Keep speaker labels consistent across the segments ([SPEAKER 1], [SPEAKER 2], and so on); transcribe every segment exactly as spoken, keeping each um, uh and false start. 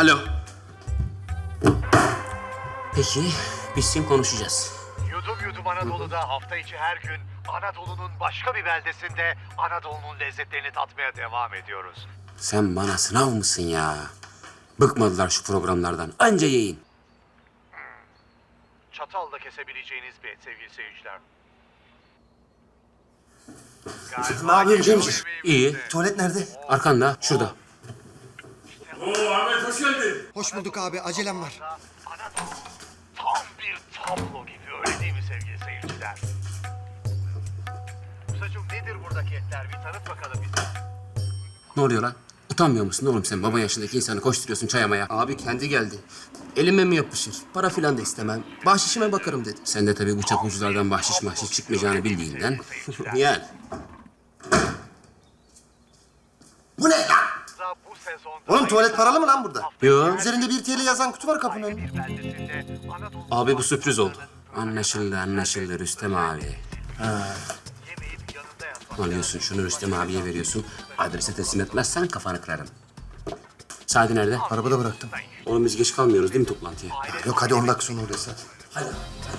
[SPEAKER 1] Alo. Peki, bitsin konuşacağız.
[SPEAKER 2] Yudum Yudum Anadolu'da hafta içi her gün Anadolu'nun başka bir beldesinde Anadolu'nun lezzetlerini tatmaya devam ediyoruz.
[SPEAKER 1] Sen bana sınav mısın ya? Bıkmadılar şu programlardan. Anca yiyin.
[SPEAKER 2] Çatalla kesebileceğiniz bir et sevgili seyirciler.
[SPEAKER 3] Ne yapıyorsun Cemciğim?
[SPEAKER 1] İyi.
[SPEAKER 3] Tuvalet nerede?
[SPEAKER 1] Arkanda, şurada.
[SPEAKER 4] Oo Ahmet hoş geldin.
[SPEAKER 3] Hoş bulduk abi, acelem var.
[SPEAKER 2] Anadolu tam bir tablo gibi, öyle değil mi sevgili seyirciler? Musacığım nedir buradaki etler? Bir tanıt bakalım bize.
[SPEAKER 1] Ne oluyor lan? Utanmıyor musun oğlum sen? Baba yaşındaki insanı koşturuyorsun çayamaya.
[SPEAKER 5] Abi kendi geldi. Elime mi yapışır? Para filan da istemem. Bahşişime bakarım dedi.
[SPEAKER 1] Sen de tabii bu çapulculardan bahşiş mahşiş çıkmayacağını bildiğinden. Yani.
[SPEAKER 3] Bu ne lan?
[SPEAKER 2] Bu sezonda
[SPEAKER 3] Oğlum tuvalet paralı mı lan burada?
[SPEAKER 1] Yo.
[SPEAKER 3] Üzerinde bir T L yazan kutu var kapının önünde.
[SPEAKER 2] bir beldesinde Anadolu
[SPEAKER 5] Abi bu sürpriz oldu.
[SPEAKER 1] Anlaşıldı, anlaşıldı Rüstem abi.
[SPEAKER 2] yemeyip yanında yatmak.
[SPEAKER 1] Alıyorsun şunu Rüstem abiye veriyorsun. Adrese teslim etmezsen kafanı kırarım. Sadi nerede?
[SPEAKER 3] Arabada bıraktım.
[SPEAKER 1] Oğlum biz geç kalmıyoruz değil mi toplantıya?
[SPEAKER 3] Yok hadi on dakika sonra oradayız hadi.
[SPEAKER 1] Hadi.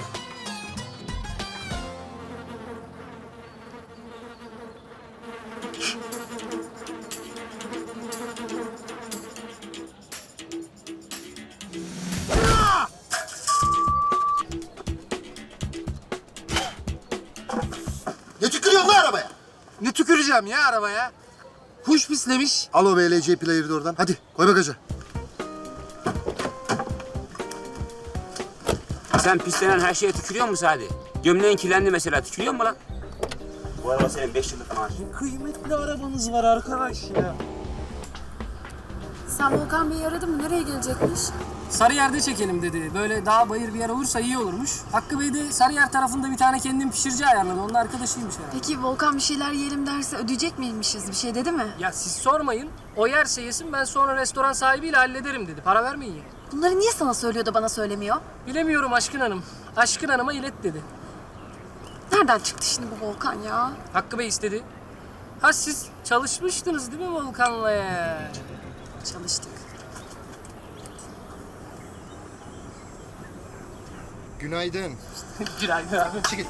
[SPEAKER 3] Ne tükürüyorsun lan arabaya?
[SPEAKER 6] Ne tüküreceğim ya arabaya? Kuş pislemiş.
[SPEAKER 3] Al o B L C player'ı da oradan. Hadi koy bagaja.
[SPEAKER 1] Sen pislenen her şeye tükürüyor musun Sadi? Gömleğin kirlendi mesela, tükürüyor mu lan? Bu araba senin beş yıllık maaşın.
[SPEAKER 6] Kıymetli arabanız var arkadaş ya.
[SPEAKER 7] Sen Volkan Bey'i aradın mı? Nereye gelecekmiş?
[SPEAKER 8] Sarıyer'de çekelim dedi. Böyle dağ bayır bir yer olursa iyi olurmuş. Hakkı Bey de Sarıyer tarafında bir tane kendim pişirici ayarladı. Onun arkadaşıymış herhalde.
[SPEAKER 7] Peki Volkan bir şeyler yiyelim derse ödeyecek miymişiz? Bir şey dedi mi?
[SPEAKER 8] Ya siz sormayın. O yerse yesin, ben sonra restoran sahibiyle hallederim dedi. Para vermeyin ya.
[SPEAKER 7] Bunları niye sana söylüyor da bana söylemiyor?
[SPEAKER 8] Bilemiyorum Aşkın Hanım. Aşkın Hanım'a ilet dedi.
[SPEAKER 7] Nereden çıktı şimdi bu Volkan ya?
[SPEAKER 8] Hakkı Bey istedi. Ha siz çalışmıştınız değil mi Volkan'la ya?
[SPEAKER 7] Çalıştık.
[SPEAKER 3] Günaydın.
[SPEAKER 8] Günaydın abi.
[SPEAKER 3] Çekil.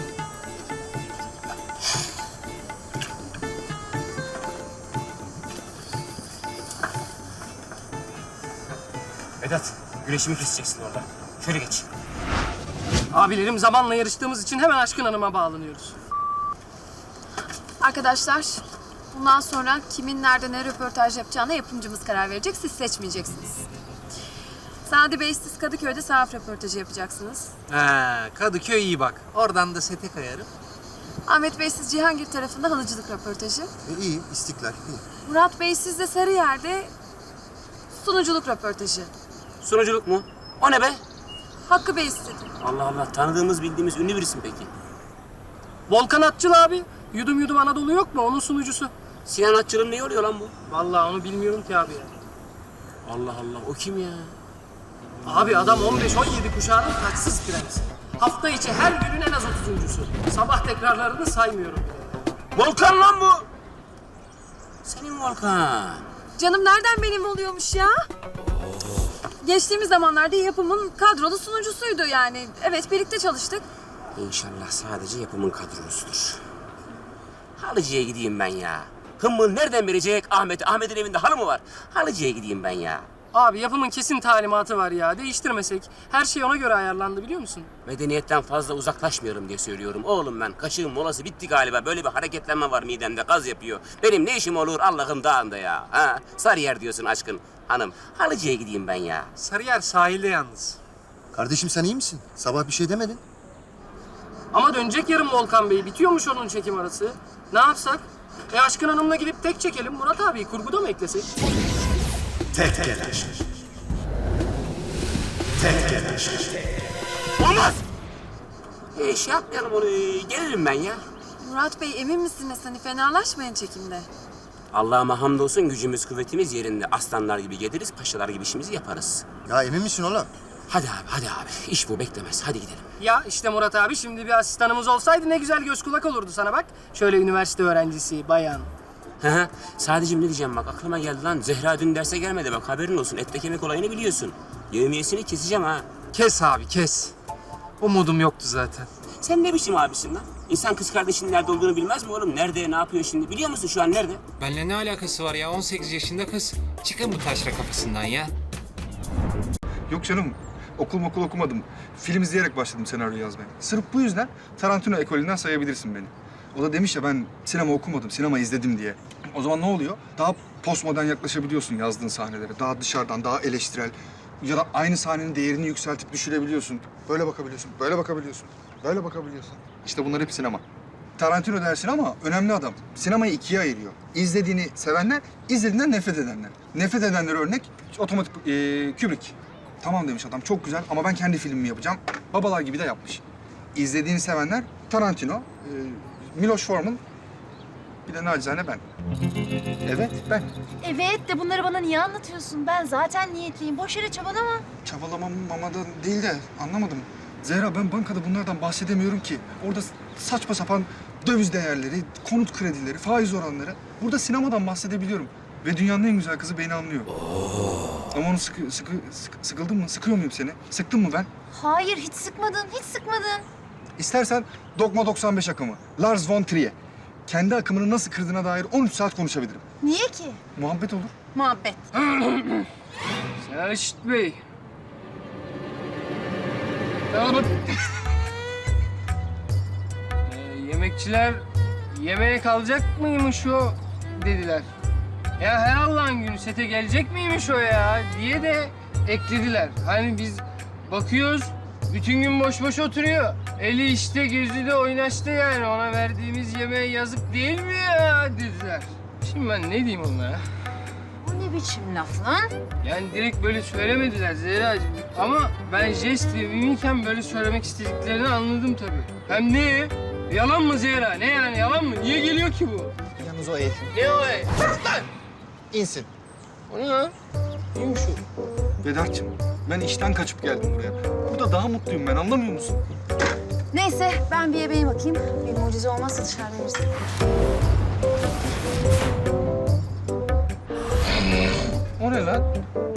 [SPEAKER 1] Vedat, güreşimi keseceksin orada. Şöyle geç.
[SPEAKER 8] Abilerim zamanla yarıştığımız için hemen Aşkın Hanım'a bağlanıyoruz.
[SPEAKER 7] Arkadaşlar, bundan sonra kimin nerede ne röportaj yapacağına yapımcımız karar verecek. Siz seçmeyeceksiniz. Sadi Bey, siz Kadıköy'de sahaf röportajı yapacaksınız.
[SPEAKER 6] Ha, Kadıköy iyi bak. Oradan da sete kayarım.
[SPEAKER 7] Ahmet Bey, siz Cihangir tarafında halıcılık röportajı.
[SPEAKER 3] E, iyi, istiklal iyi.
[SPEAKER 7] Murat Bey, siz de Sarıyer'de sunuculuk röportajı.
[SPEAKER 1] Sunuculuk mu? O ne be?
[SPEAKER 7] Hakkı Bey istedi.
[SPEAKER 1] Allah Allah, tanıdığımız bildiğimiz ünlü birisin peki.
[SPEAKER 8] Volkan Atçıl abi. Yudum Yudum Anadolu yok mu? Onun sunucusu.
[SPEAKER 1] Sinan Atçıl'ın ne oluyor lan bu?
[SPEAKER 8] Vallahi onu bilmiyorum ki abi ya.
[SPEAKER 1] Allah Allah, o kim ya?
[SPEAKER 8] Abi adam on beş on yedi kuşağının taçsız prensi. Hafta içi her günün en az otuzuncusu. Sabah tekrarlarını saymıyorum bile.
[SPEAKER 1] Volkan lan bu! Senin Volkan.
[SPEAKER 7] Canım nereden benim oluyormuş ya? Geçtiğimiz zamanlarda yapımın kadrolu sunucusuydu yani. Evet, birlikte çalıştık.
[SPEAKER 1] İnşallah sadece yapımın kadrosudur. Halıcı'ya gideyim ben ya. Hımmı nereden verecek Ahmet? Ahmet'in evinde halı mı var? Halıcı'ya gideyim ben ya.
[SPEAKER 8] Abi yapımın kesin talimatı var ya. Değiştirmesek. Her şey ona göre ayarlandı biliyor musun?
[SPEAKER 1] Medeniyetten fazla uzaklaşmıyorum diye söylüyorum. Oğlum ben kaşığın molası bitti galiba. Böyle bir hareketlenme var midemde, gaz yapıyor. Benim ne işim olur Allah'ın dağında ya? Ha? Sarıyer diyorsun aşkın hanım. Halıcı'ya gideyim ben ya.
[SPEAKER 6] Sarıyer sahilde yalnız.
[SPEAKER 3] Kardeşim sen iyi misin? Sabah bir şey demedin.
[SPEAKER 8] Ama dönecek yarın Volkan Bey. Bitiyormuş onun çekim arası. Ne yapsak? E Aşkın Hanım'la gidip tek çekelim. Murat abi kurguda mı eklesek?
[SPEAKER 4] Tek gelen. Tek gelen.
[SPEAKER 1] Olmaz! E, şey yapmayalım onu. Gelirim ben ya.
[SPEAKER 7] Murat Bey, emin misiniz? Hani fenalaşmayın çekimde.
[SPEAKER 1] Allah'ıma hamdolsun gücümüz kuvvetimiz yerinde. Aslanlar gibi geliriz, paşalar gibi işimizi yaparız.
[SPEAKER 3] Ya emin misin oğlum?
[SPEAKER 1] Hadi abi, hadi abi. İş bu, beklemez. Hadi gidelim.
[SPEAKER 8] Ya işte Murat abi, şimdi bir asistanımız olsaydı ne güzel göz kulak olurdu sana bak. Şöyle üniversite öğrencisi, bayan.
[SPEAKER 1] Hı hı. Sadece ne diyeceğim bak aklıma geldi lan. Zehra dün derse gelmedi bak haberin olsun. Etle kemik olayını biliyorsun. Yevmiyesini keseceğim ha.
[SPEAKER 6] Kes abi kes. Umudum yoktu zaten.
[SPEAKER 1] Sen ne biçim abisin lan? İnsan kız kardeşinin nerede olduğunu bilmez mi oğlum? Nerede, ne yapıyor şimdi? Biliyor musun şu an nerede?
[SPEAKER 9] Benimle ne alakası var ya? on sekiz yaşında kız. Çıkın bu taşra kafasından ya.
[SPEAKER 10] Yok canım, okul okul okumadım. Film izleyerek başladım senaryo yazmaya. Sırf bu yüzden Tarantino ekolünden sayabilirsin beni. O da demiş ya ben sinema okumadım, sinema izledim diye. O zaman ne oluyor? Daha postmodern yaklaşabiliyorsun yazdığın sahnelere. Daha dışarıdan, daha eleştirel. Ya da aynı sahnenin değerini yükseltip düşürebiliyorsun. Böyle bakabiliyorsun, böyle bakabiliyorsun, böyle bakabiliyorsun. İşte bunlar hep sinema. Tarantino dersin ama önemli adam. Sinemayı ikiye ayırıyor. İzlediğini sevenler, izlediğinden nefret edenler. Nefret edenler örnek otomatik e, Kubrick. Tamam demiş adam, çok güzel ama ben kendi filmimi yapacağım. Babalar gibi de yapmış. İzlediğini sevenler Tarantino, e, Miloš Forman, bir de nacizane ben. Evet, ben.
[SPEAKER 11] Evet de bunları bana niye anlatıyorsun? Ben zaten niyetliyim. Boş yere çabalama.
[SPEAKER 10] Çabalamam mamadan değil de anlamadım. Zehra ben bankada bunlardan bahsedemiyorum ki. Orada saçma sapan döviz değerleri, konut kredileri, faiz oranları. Burada sinemadan bahsedebiliyorum. Ve dünyanın en güzel kızı beni anlıyor. Ama onu sıkı, sıkı, sıkı, sıkıldın mı? Sıkıyor muyum seni? Sıktın mı ben?
[SPEAKER 11] Hayır, hiç sıkmadın, hiç sıkmadın.
[SPEAKER 10] İstersen Dogma doksan beş akımı, Lars von Trier. Kendi akımını nasıl kırdığına dair on üç saat konuşabilirim.
[SPEAKER 11] Niye ki?
[SPEAKER 10] Muhabbet olur.
[SPEAKER 11] Muhabbet.
[SPEAKER 8] Selçuk Bey. Tamam. ee, yemekçiler yemeğe kalacak mıymış o dediler. Ya her Allah'ın günü sete gelecek miymiş o ya diye de eklediler. Hani biz bakıyoruz bütün gün boş boş oturuyor. Eli işte gözü de oynaştı yani ona verdiğimiz yemeğe yazık değil mi ya dediler. Şimdi ben ne diyeyim onlara?
[SPEAKER 11] Bu ne biçim laf lan?
[SPEAKER 8] Yani direkt böyle söylemediler Zehra'cığım. Ama ben jest ve mimiken böyle söylemek istediklerini anladım tabii. Hem ne? Yalan mı Zehra? Ne yani yalan mı? Niye geliyor ki bu?
[SPEAKER 3] Yalnız o el.
[SPEAKER 8] Ne o e? Lan!
[SPEAKER 3] İnsin.
[SPEAKER 8] O ne lan? Neymiş o?
[SPEAKER 10] Vedat'cığım ben işten kaçıp geldim buraya. Burada daha mutluyum ben anlamıyor musun?
[SPEAKER 11] Neyse, ben bir yemeğe bakayım. Bir mucize olmazsa dışarıda yeriz.
[SPEAKER 10] O ne lan?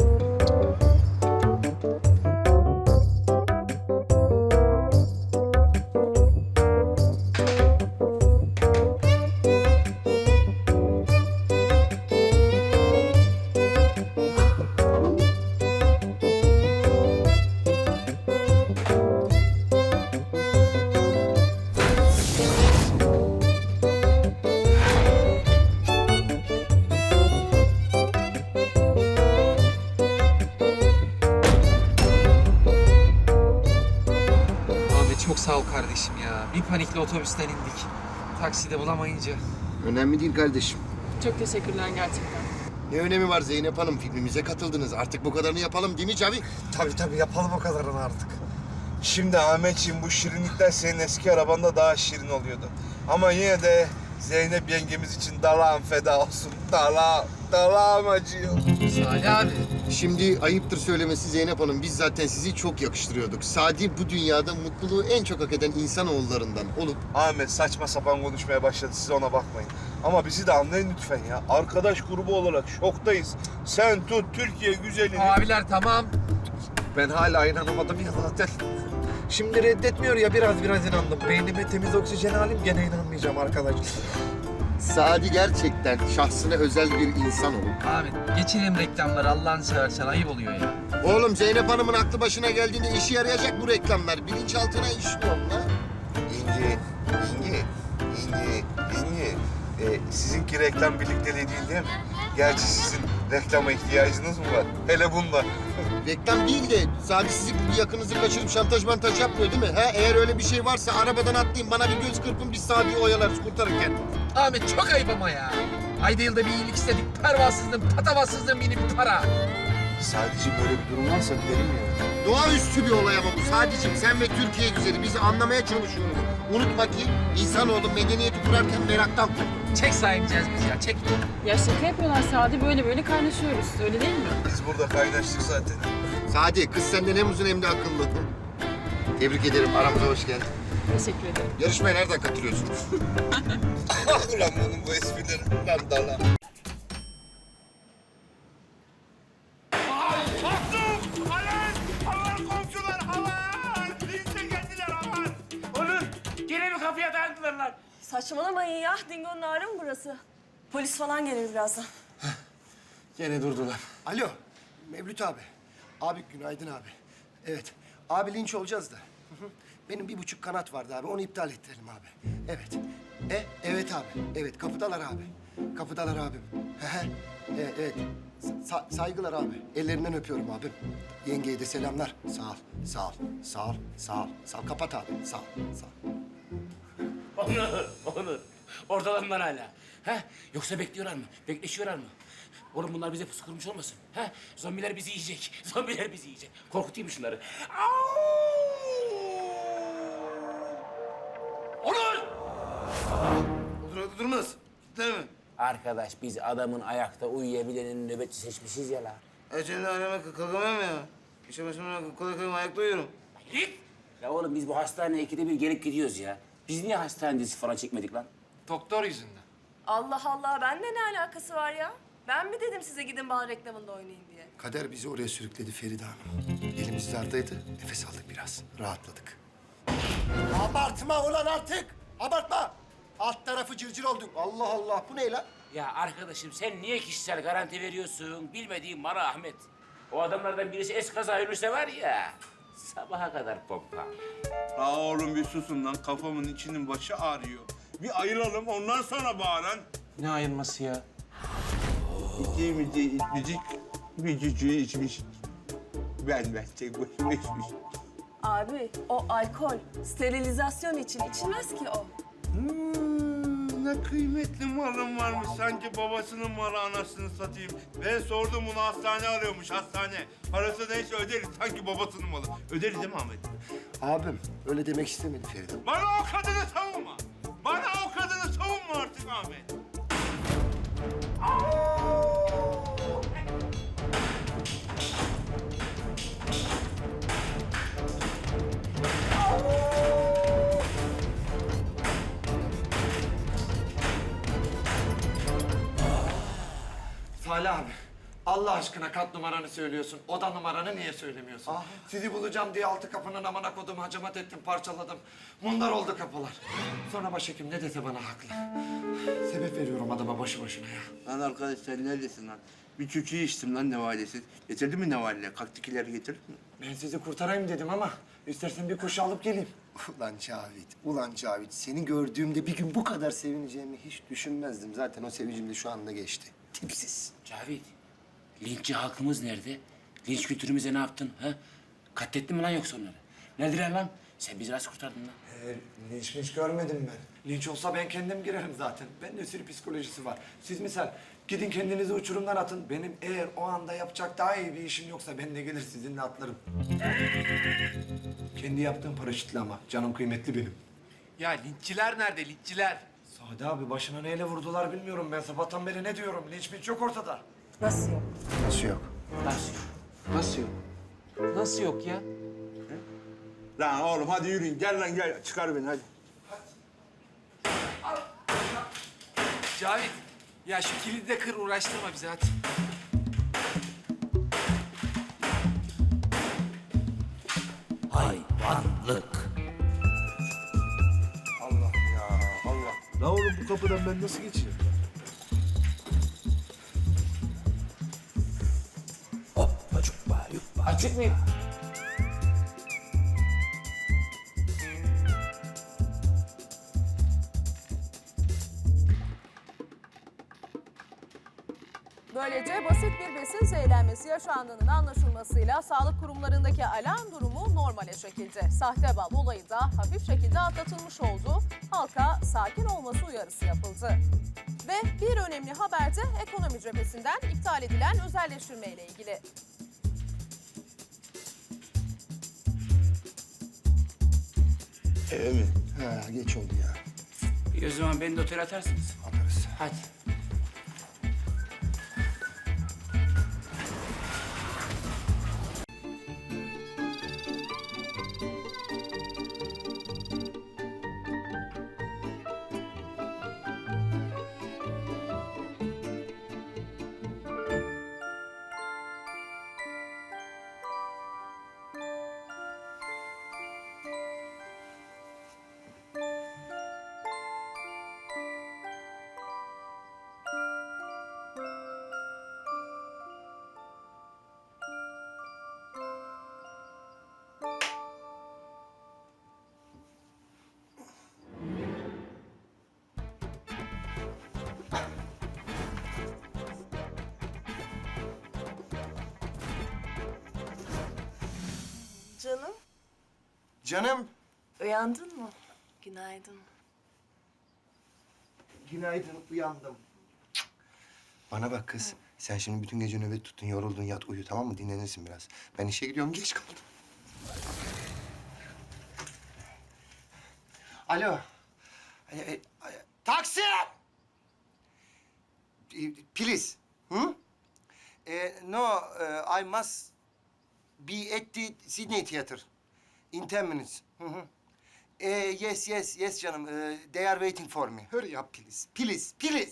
[SPEAKER 9] Abi çok sağ ol kardeşim ya. Bir panikle otobüsten indik. Takside bulamayınca.
[SPEAKER 3] Önemli değil kardeşim.
[SPEAKER 7] Çok teşekkürler gerçekten.
[SPEAKER 3] Ne önemi var Zeynep Hanım? Filmimize katıldınız. Artık bu kadarını yapalım değil mi Cavi?
[SPEAKER 6] Tabii tabii yapalım o kadarını artık. Şimdi Ahmetciğim bu şirinlikler senin eski arabanda daha şirin oluyordu. Ama yine de Zeynep yengemiz için dalağım feda olsun. Dalağım, dalağım acıyor.
[SPEAKER 9] Salih abi.
[SPEAKER 3] Şimdi ayıptır söylemesi Zeynep Hanım. Biz zaten sizi çok yakıştırıyorduk. Sadi bu dünyada mutluluğu en çok hak eden insanoğullarından olup...
[SPEAKER 6] Ahmet saçma sapan konuşmaya başladı. Siz ona bakmayın. Ama bizi de anlayın lütfen ya. Arkadaş grubu olarak şoktayız. Sen tut Türkiye güzelini.
[SPEAKER 9] Abiler tamam.
[SPEAKER 6] Ben hala inanamadım ya zaten. Şimdi reddetmiyor ya biraz biraz inandım. Beynime temiz oksijen alayım gene inanmayacağım arkadaş.
[SPEAKER 3] Sadi gerçekten şahsına özel bir insan olup...
[SPEAKER 9] Abi geçelim reklamları Allah'ını seversen ayıp oluyor ya.
[SPEAKER 3] Oğlum Zeynep Hanım'ın aklı başına geldiğinde işe yarayacak bu reklamlar. Bilinçaltına işliyor lan.
[SPEAKER 6] İnci, İnci, İnci, İnci. Ee, sizinki reklam birlikteliği değil değil mi? Gerçi sizin reklama ihtiyacınız mı var? Hele bunda.
[SPEAKER 3] Reklam değil de Sadi sizi bir yakınızı kaçırıp şantaj mantaj yapmıyor değil mi? Ha? Eğer öyle bir şey varsa arabadan atlayın bana bir göz kırpın biz Sadi'yi oyalarız kurtarırken.
[SPEAKER 9] Ahmet çok ayıp ama ya. Ayda yılda bir iyilik istedik. Pervasızlığın, patavatsızlığın mini bir para.
[SPEAKER 6] Sadece böyle bir durum varsa gidelim ya.
[SPEAKER 3] Doğaüstü bir olay ama bu. Sadece sen ve Türkiye güzeli bizi anlamaya çalışıyoruz. Unutma ki insanoğlu medeniyeti kurarken meraktan kurdu.
[SPEAKER 9] Çek sahipeceğiz biz ya. Çek.
[SPEAKER 7] Ya şaka yapıyorlar Sadi böyle böyle kaynaşıyoruz öyle değil mi?
[SPEAKER 6] Biz burada kaynaştık zaten.
[SPEAKER 3] Sadi kız senden hem uzun hem de akıllı. Tebrik ederim aramıza hoş geldin.
[SPEAKER 7] Teşekkür ederim.
[SPEAKER 3] Yarışmaya nereden katılıyorsunuz?
[SPEAKER 6] Ulan bunun bu esprileri. Lan dala.
[SPEAKER 1] Onur, gene mi kapıya dayandılar lan?
[SPEAKER 12] Saçmalamayın ya. Dingo'nun ağrı mı burası? Polis falan gelir birazdan.
[SPEAKER 3] Gene durdular. Alo, Mevlüt abi. Abi günaydın abi. Evet, abi linç olacağız da. Hı hı. Benim bir buçuk kanat vardı abi, onu iptal ettirelim abi. Evet. E, evet abi. Evet, kapıdalar abi. Kapıdalar abim. Hı hı. E, evet. Sa- saygılar abi. Ellerinden öpüyorum abim. Yengeye de selamlar. Sağ ol, sağ ol, sağ ol, sağ ol. Sağ ol. Kapat abi. Sağ ol, sağ ol.
[SPEAKER 1] Onur, Onur. Oradalar mı lan hala? Ha? Yoksa bekliyorlar mı? Bekleşiyorlar mı? Oğlum bunlar bize pusu kurmuş olmasın? Ha? Zombiler bizi yiyecek. Zombiler bizi yiyecek. Korkutayım mı şunları? Onur!
[SPEAKER 3] Dur, durmaz. Değil mi?
[SPEAKER 1] Arkadaş biz adamın ayakta uyuyabilenin nöbetçi seçmişiz ya la.
[SPEAKER 3] E senin anneme kalkamam ya. İşe başıma kolay kolay ayakta uyuyorum.
[SPEAKER 1] Git! Ya oğlum biz bu hastaneye ikide bir gelip gidiyoruz ya. Biz niye hastane dizisi falan çekmedik lan?
[SPEAKER 8] Doktor yüzünden.
[SPEAKER 12] Allah Allah. Benimle ne alakası var ya? Ben mi dedim size gidin bana reklamında oynayın diye?
[SPEAKER 3] Kader bizi oraya sürükledi Feride Hanım. Elimiz dardaydı, nefes aldık biraz. Rahatladık. Abartma ulan artık! Abartma! Alt tarafı cırcır olduk. Allah Allah, bu ne lan?
[SPEAKER 1] Ya arkadaşım sen niye kişisel garanti veriyorsun? Bilmediğin bana Ahmet. O adamlardan birisi eskaza ölürse var ya... Sabaha kadar pompa.
[SPEAKER 6] Aa oğlum bir susun lan. Kafamın içinin başı ağrıyor. Bir ayılalım ondan sonra bağıran.
[SPEAKER 9] Ne ayılması ya?
[SPEAKER 6] İçimizi içmişik, bir cücüğü içmiş. Ben ben tek başıma içmiş.
[SPEAKER 12] Abi o alkol. Sterilizasyon için içilmez ki o.
[SPEAKER 6] Hmm, ne kıymetli malım varmış. Sanki babasının malı anasını satayım. Ben sordum bunu hastane arıyormuş hastane. Parası neyse öderiz. Sanki babasının malı. Öderiz değil mi Ahmet?
[SPEAKER 3] Abim, öyle demek istemedi Feride.
[SPEAKER 6] Bana o kadını savunma. Bana o kadını savunma artık Ahmet.
[SPEAKER 13] Salih abi, Allah aşkına kat numaranı söylüyorsun. Oda numaranı niye söylemiyorsun? Sizi bulacağım diye altı kapının amına kodum, hacamat ettim, parçaladım. Mundar oldu kapılar. Sonra başhekim ne dese bana haklı. Sebep veriyorum adama boşu boşuna ya.
[SPEAKER 6] Lan arkadaş sen neredesin lan? Bir çöçüğü içtim lan nevalesi. Getirdin mi nevaleyle? Kaktikileri getirdin mi?
[SPEAKER 13] Ben sizi kurtarayım dedim ama istersen bir kuş alıp geleyim.
[SPEAKER 3] Ulan Cavit, ulan Cavit. Seni gördüğümde bir gün bu kadar sevineceğimi hiç düşünmezdim. Zaten o sevincim de şu anda geçti. Tipsiz.
[SPEAKER 1] Cavit, linççi halkımız nerede? Linç kültürümüze ne yaptın? Ha? Katlettin mi lan yoksa onları? Neredeler lan? Sen bizi nasıl kurtardın lan?
[SPEAKER 13] Ee, linç linç görmedim ben. Linç olsa ben kendim girerim zaten. Bende sürü psikolojisi var. Siz misal gidin kendinizi uçurumdan atın. Benim eğer o anda yapacak daha iyi bir işim yoksa ben de gelir sizinle atlarım. Kendi yaptığım paraşütle ama canım kıymetli benim.
[SPEAKER 8] Ya linççiler nerede linççiler?
[SPEAKER 13] Sade abi başına neyle vurdular bilmiyorum. Ben sabahtan beri ne diyorum? Linç minç yok ortada.
[SPEAKER 12] Nasıl yok?
[SPEAKER 3] Nasıl yok?
[SPEAKER 1] Nasıl?
[SPEAKER 9] Nasıl yok? Nasıl yok ya?
[SPEAKER 6] Lan oğlum hadi yürüyün. Gel lan gel. Çıkar beni hadi.
[SPEAKER 8] Cavit, ya şu kilidi de kır uğraştırma bizi hadi.
[SPEAKER 1] Hayvanlık.
[SPEAKER 6] Allah ya Allah. La oğlum bu kapıdan ben nasıl geçeceğim?
[SPEAKER 1] Açık mıyım?
[SPEAKER 12] Böylece basit bir besin zehirlenmesi yaşandığının anlaşılmasıyla sağlık kurumlarındaki alarm durumu normale çekildi. Sahte bal olayı da hafif şekilde atlatılmış oldu. Halka sakin olması uyarısı yapıldı. Ve bir önemli haber de ekonomi cephesinden iptal edilen özelleştirme ile ilgili.
[SPEAKER 6] Eve mi?
[SPEAKER 3] Ha, geç oldu ya.
[SPEAKER 1] İyi o zaman beni de otele atarsınız.
[SPEAKER 3] Atarız.
[SPEAKER 1] Hadi.
[SPEAKER 3] Canım.
[SPEAKER 11] Uyandın mı? Günaydın.
[SPEAKER 3] Günaydın, uyandım. Bana bak kız, sen şimdi bütün gece nöbet tuttun, yoruldun, yat uyu tamam mı? Dinlenirsin biraz. Ben işe gidiyorum, geç kaldım. Alo. E, e, e, taksi! E, please. Hı? E, no, e, I must be at the Sydney Theatre in ten minutes. Hı hı. E, yes, yes, yes canım. E, they are waiting for me. Hurry up please, please, please.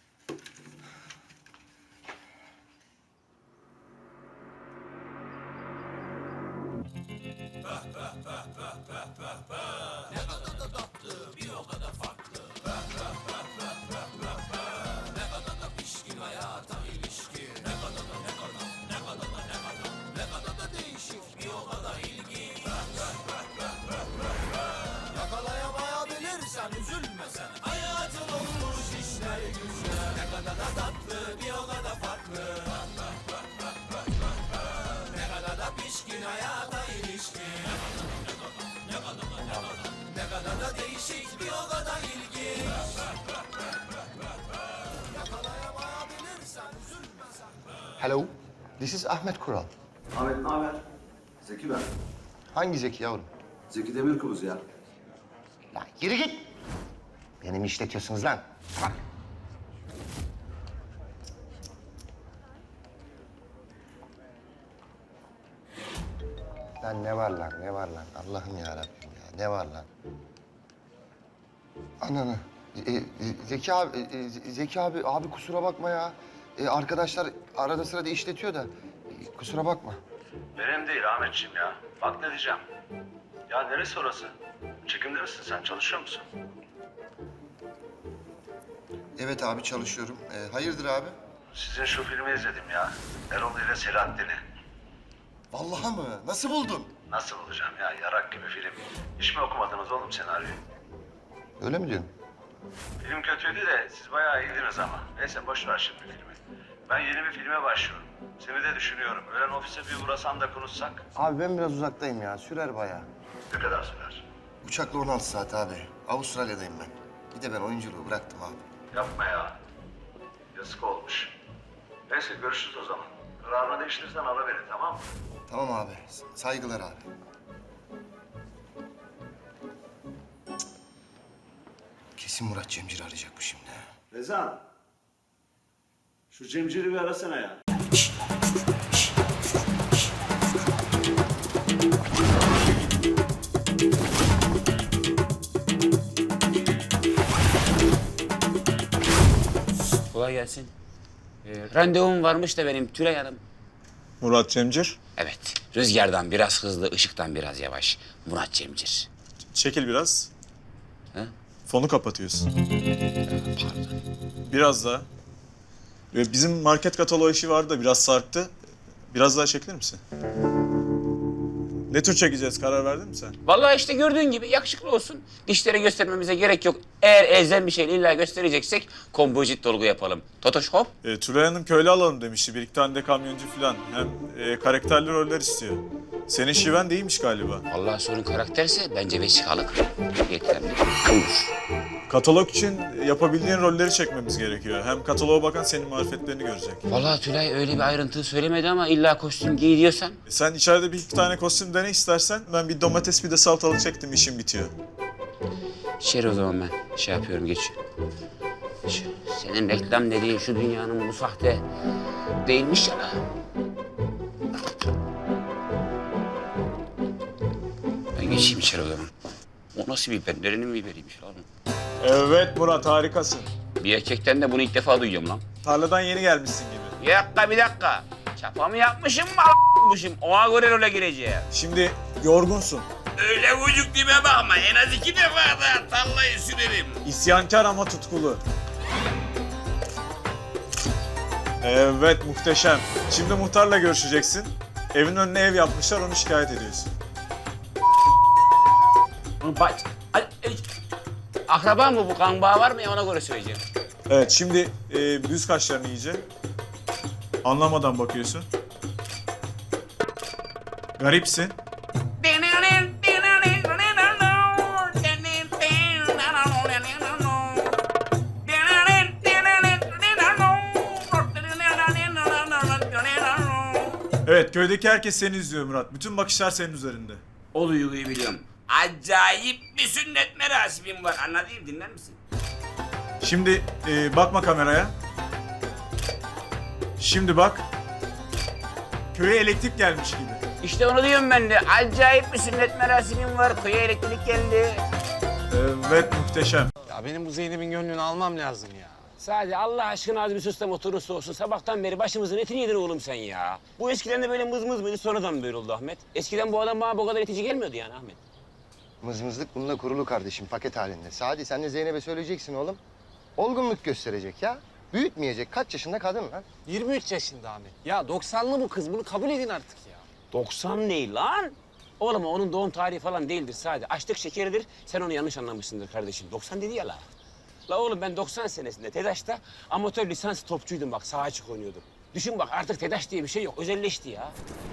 [SPEAKER 3] Hello, this is Ahmet Kural.
[SPEAKER 14] Ahmet ne haber? Zeki ben.
[SPEAKER 3] Hangi Zeki yavrum?
[SPEAKER 14] Zeki Demirkubuz ya.
[SPEAKER 3] Lan yürü git. Beni mi işletiyorsunuz lan? Bak. Lan ne var lan, ne var lan? Allah'ım ya Rabbim ya, ne var lan? Ananı. E, e, Zeki abi, e, Zeki abi, abi kusura bakma ya. E, arkadaşlar arada sırada işletiyor da. E, kusura bakma.
[SPEAKER 14] Benim değil Ahmetciğim ya. Bak ne diyeceğim. Ya neresi orası? Çekimde misin sen? Çalışıyor musun?
[SPEAKER 3] Evet abi çalışıyorum. E, hayırdır abi?
[SPEAKER 14] Sizin şu filmi izledim ya. Erol ile Selahattin'i.
[SPEAKER 3] Vallahi mı? Nasıl buldun?
[SPEAKER 14] Nasıl bulacağım ya? Yarak gibi film. Hiç mi okumadınız oğlum senaryoyu?
[SPEAKER 3] Öyle mi diyorsun?
[SPEAKER 14] Film kötüydü de siz bayağı iyiydiniz ama. Neyse boş ver şimdi filmi. Ben yeni bir filme başlıyorum. Seni de düşünüyorum. Öğlen ofise bir uğrasan da konuşsak.
[SPEAKER 3] Abi ben biraz uzaktayım ya. Sürer bayağı.
[SPEAKER 14] Ne kadar sürer?
[SPEAKER 3] Uçakla on altı saat abi. Avustralya'dayım ben. Bir de ben oyunculuğu bıraktım abi.
[SPEAKER 14] Yapma ya. Yazık olmuş. Neyse görüşürüz o zaman. Kararını değiştirirsen ara beni tamam mı?
[SPEAKER 3] Tamam abi. Saygılar abi. Cık. Kesin Murat Cemcir arayacak bu şimdi.
[SPEAKER 14] Rezan. Şu Cemcir'i bir arasana ya.
[SPEAKER 1] Kolay gelsin. Ee, randevum varmış da benim Tülay Hanım.
[SPEAKER 10] Murat Cemcir.
[SPEAKER 1] Evet, rüzgardan biraz hızlı, ışıktan biraz yavaş. Murat Cemcir.
[SPEAKER 10] Çekil biraz.
[SPEAKER 1] Ha?
[SPEAKER 10] Fonu kapatıyorsun.
[SPEAKER 1] Pardon.
[SPEAKER 10] Biraz daha. Ve bizim market kataloğu işi vardı da biraz sarktı. Biraz daha çekilir misin? Ne tür çekeceğiz? Karar verdin mi sen?
[SPEAKER 1] Vallahi işte gördüğün gibi yakışıklı olsun. Dişleri göstermemize gerek yok. Eğer elzem bir şey illa göstereceksek kompozit dolgu yapalım. Totoş hop.
[SPEAKER 10] E, Tülay Hanım köylü alalım demişti. Bir iki tane de kamyoncu falan. Hem e, karakterli roller istiyor. Senin şiven de iyiymiş galiba.
[SPEAKER 1] Vallahi sorun karakterse bence vesikalık. Yeterli. Olur.
[SPEAKER 10] Katalog için yapabildiğin rolleri çekmemiz gerekiyor. Hem kataloğa bakan senin marifetlerini görecek.
[SPEAKER 1] Vallahi Tülay öyle bir ayrıntı söylemedi ama illa kostüm giy diyorsan.
[SPEAKER 10] E, sen içeride bir iki tane kostüm dene istersen. Ben bir domates bir de salatalık çektim, işim bitiyor.
[SPEAKER 1] Şeri o zaman ben şey yapıyorum, geçiyorum. Şu, senin reklam dediğin şu dünyanın bu sahte değilmiş ya la. Ben geçeyim içeri o zaman. O nasıl bir biber? Nerenin biberiymiş lan?
[SPEAKER 10] Evet Murat, harikasın.
[SPEAKER 1] Bir erkekten de bunu ilk defa duyuyorum lan.
[SPEAKER 10] Tarladan yeni gelmişsin gibi.
[SPEAKER 1] Bir dakika, bir dakika. Çapamı yapmışım mı a**mışım? Ona göre role gireceğim.
[SPEAKER 10] Şimdi yorgunsun.
[SPEAKER 1] Öyle vücut dime bakma. En az iki defa da tarlayı sürerim.
[SPEAKER 10] İsyankar ama tutkulu. Evet, muhteşem. Şimdi muhtarla görüşeceksin. Evin önüne ev yapmışlar, onu şikayet ediyorsun.
[SPEAKER 1] Bak, akraba mı bu? Kan bağı var mı ya, ona göre söyleyeceğim.
[SPEAKER 10] Evet, şimdi e, düz kaşlarını iyice. Anlamadan bakıyorsun. Garipsin. Evet, köydeki herkes seni izliyor Murat. Bütün bakışlar senin üzerinde.
[SPEAKER 1] O duyguyu biliyorum. Acayip bir sünnet merasimim var. Anladın mı? Dinler misin?
[SPEAKER 10] Şimdi e, bakma kameraya. Şimdi bak. Köye elektrik gelmiş gibi.
[SPEAKER 1] İşte onu diyorum ben de. Acayip bir sünnet merasimim var. Köye elektrik geldi.
[SPEAKER 10] Evet, muhteşem.
[SPEAKER 13] Ya benim bu Zeynep'in gönlünü almam lazım ya.
[SPEAKER 1] Sadece Allah aşkına az bir sus da motorun soğusun. Sabahtan beri başımızın etini yedin oğlum sen ya. Bu eskiden de böyle mız mız mıydı, sonradan böyle oldu Ahmet. Eskiden bu adam bana bu kadar itici gelmiyordu yani Ahmet.
[SPEAKER 3] Mızmızlık bununla kurulu kardeşim, paket halinde. Sadi sen de Zeynep'e söyleyeceksin oğlum. Olgunluk gösterecek ya. Büyütmeyecek. Kaç yaşında kadın lan?
[SPEAKER 13] yirmi üç yaşında Ahmet. Ya doksanlı bu kız. Bunu kabul edin artık ya.
[SPEAKER 1] doksan ne lan? Oğlum onun doğum tarihi falan değildir sadece. Açlık şekeridir. Sen onu yanlış anlamışsındır kardeşim. doksan dedi ya la. La oğlum ben doksan senesinde TEDAŞ'ta amatör lisans topçuydum bak. Sağa açık oynuyordum. Düşün bak artık TEDAŞ diye bir şey yok. Özelleşti ya.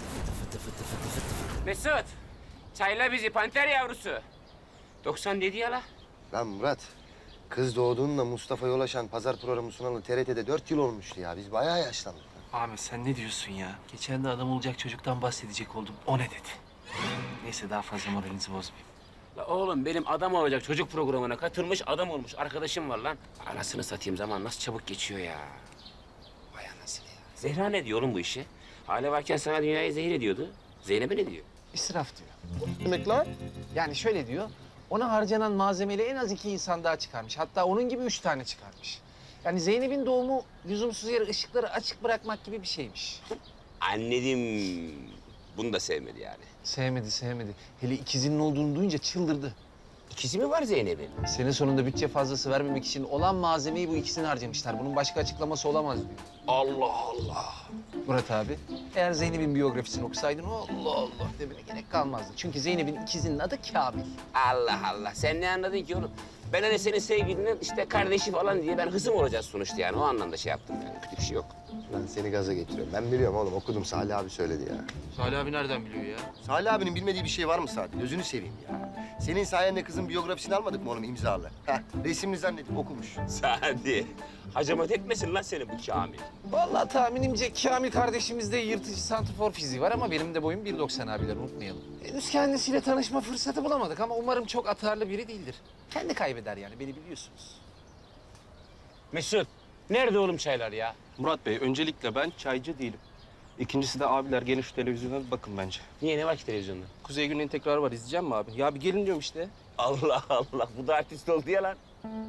[SPEAKER 1] Mesut, çayla bizi panter yavrusu. doksan dedi ya la.
[SPEAKER 3] Lan Murat, kız doğduğunda Mustafa Yolaşan pazar programı sunalı T R T'de dört yıl olmuştu ya. Biz bayağı yaşlandık.
[SPEAKER 9] Ahmet sen ne diyorsun ya? Geçen de adam olacak çocuktan bahsedecek oldum. O ne dedi? Neyse daha fazla moralinizi bozmayayım.
[SPEAKER 1] La oğlum benim adam olacak çocuk programına katılmış adam olmuş arkadaşım var lan. Anasını satayım zaman nasıl çabuk geçiyor ya. Vay anasını ya. Zehra ne diyor oğlum bu işi? Hale varken sana dünyayı zehir ediyordu. Zeynep'e ne diyor?
[SPEAKER 9] İsraf diyor.
[SPEAKER 3] Demek lan?
[SPEAKER 9] Yani şöyle diyor. Ona harcanan malzemeyle en az iki insan daha çıkarmış. Hatta onun gibi üç tane çıkarmış. Yani Zeynep'in doğumu lüzumsuz yere ışıkları açık bırakmak gibi bir şeymiş.
[SPEAKER 1] Anladım. Bunu da sevmedi yani.
[SPEAKER 9] Sevmedi, sevmedi. Hele ikizinin olduğunu duyunca çıldırdı.
[SPEAKER 1] İkizi mi var Zeynep'in?
[SPEAKER 9] Sene sonunda bütçe fazlası vermemek için olan malzemeyi bu ikisini harcamışlar. Bunun başka açıklaması olamaz diyor.
[SPEAKER 1] Allah Allah.
[SPEAKER 9] Murat abi, eğer Zeynep'in biyografisini okusaydın Allah Allah demene gerek kalmazdı. Çünkü Zeynep'in ikizinin adı Kamil.
[SPEAKER 1] Allah Allah. Sen ne anladın ki oğlum? Ben hani senin sevgilinin işte kardeşi falan diye ben hızım olacağız sonuçta yani. O anlamda şey yaptım yani. Kötü bir şey yok.
[SPEAKER 3] Lan seni gaza getiriyorum. Ben biliyorum oğlum, okudum. Salih abi söyledi ya.
[SPEAKER 9] Salih abi nereden biliyor ya?
[SPEAKER 3] Salih abinin bilmediği bir şey var mı Sadi? Gözünü seveyim ya. Senin sayende kızın biyografisini almadık mı oğlum imzalı? Heh, resimli zannedip okumuş.
[SPEAKER 1] Sadi. Hacamat etmesin lan seni bu Kamil.
[SPEAKER 9] Vallahi tahminimce Kamil kardeşimizde yırtıcı santrfor fiziği var ama benim de boyum bir doksan abiler unutmayalım. Henüz kendisiyle tanışma fırsatı bulamadık ama umarım çok atarlı biri değildir. Kendi kaybeder yani, beni biliyorsunuz.
[SPEAKER 1] Mesut, nerede oğlum çaylar ya?
[SPEAKER 15] Murat Bey, öncelikle ben çaycı değilim. İkincisi de abiler gelin şu televizyona bir bakın bence.
[SPEAKER 1] Niye, ne var ki televizyonda?
[SPEAKER 15] Kuzey Güney'in tekrarı var, izleyeceğim mi abi? Ya bir gelin diyorum işte.
[SPEAKER 1] Allah Allah, bu da artist oldu ya lan.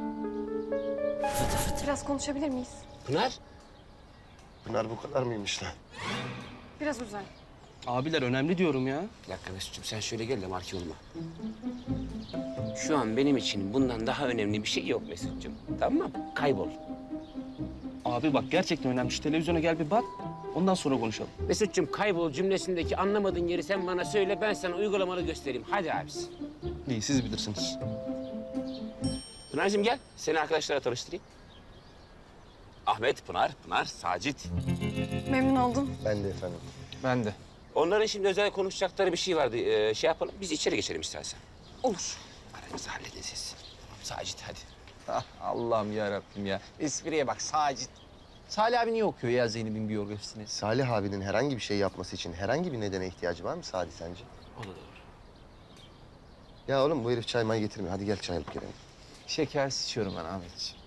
[SPEAKER 7] Biraz konuşabilir miyiz?
[SPEAKER 1] Pınar?
[SPEAKER 3] Pınar bu kadar mıymış lan?
[SPEAKER 7] Biraz uzay.
[SPEAKER 15] Abiler önemli diyorum ya.
[SPEAKER 1] Bir dakika Mesut'cum, sen şöyle gel de marki olma. Şu an benim için bundan daha önemli bir şey yok Mesut'cum. Tamam mı? Kaybol.
[SPEAKER 15] Abi bak gerçekten önemli. Şu televizyona gel bir bak. Ondan sonra konuşalım.
[SPEAKER 1] Mesut'cum kaybol cümlesindeki anlamadığın yeri sen bana söyle, ben sana uygulamalı göstereyim. Hadi abisi.
[SPEAKER 15] İyi, siz bilirsiniz.
[SPEAKER 1] Pınar'cığım gel, seni arkadaşlara tanıştırayım. Ahmet, Pınar, Pınar, Sacit.
[SPEAKER 7] Memnun oldum.
[SPEAKER 3] Ben de efendim.
[SPEAKER 9] Ben de.
[SPEAKER 1] Onların şimdi özel konuşacakları bir şey vardı. Ee, şey yapalım, biz içeri geçelim istersen.
[SPEAKER 9] Olur.
[SPEAKER 1] Aranızı halledin siz. Sacit hadi.
[SPEAKER 9] Ah, Allah'ım ya Rabbim ya. Espriye bak, Sacit. Salih abi niye okuyor ya Zeynep'in biyografisini?
[SPEAKER 3] Salih abinin herhangi bir şey yapması için herhangi bir nedene ihtiyacı var mı Sadi sence?
[SPEAKER 1] O da doğru.
[SPEAKER 3] Ya oğlum bu herif çay may getirmiyor. Hadi gel çay alıp gelelim.
[SPEAKER 9] Şekersiz içiyorum ben Ahmetciğim.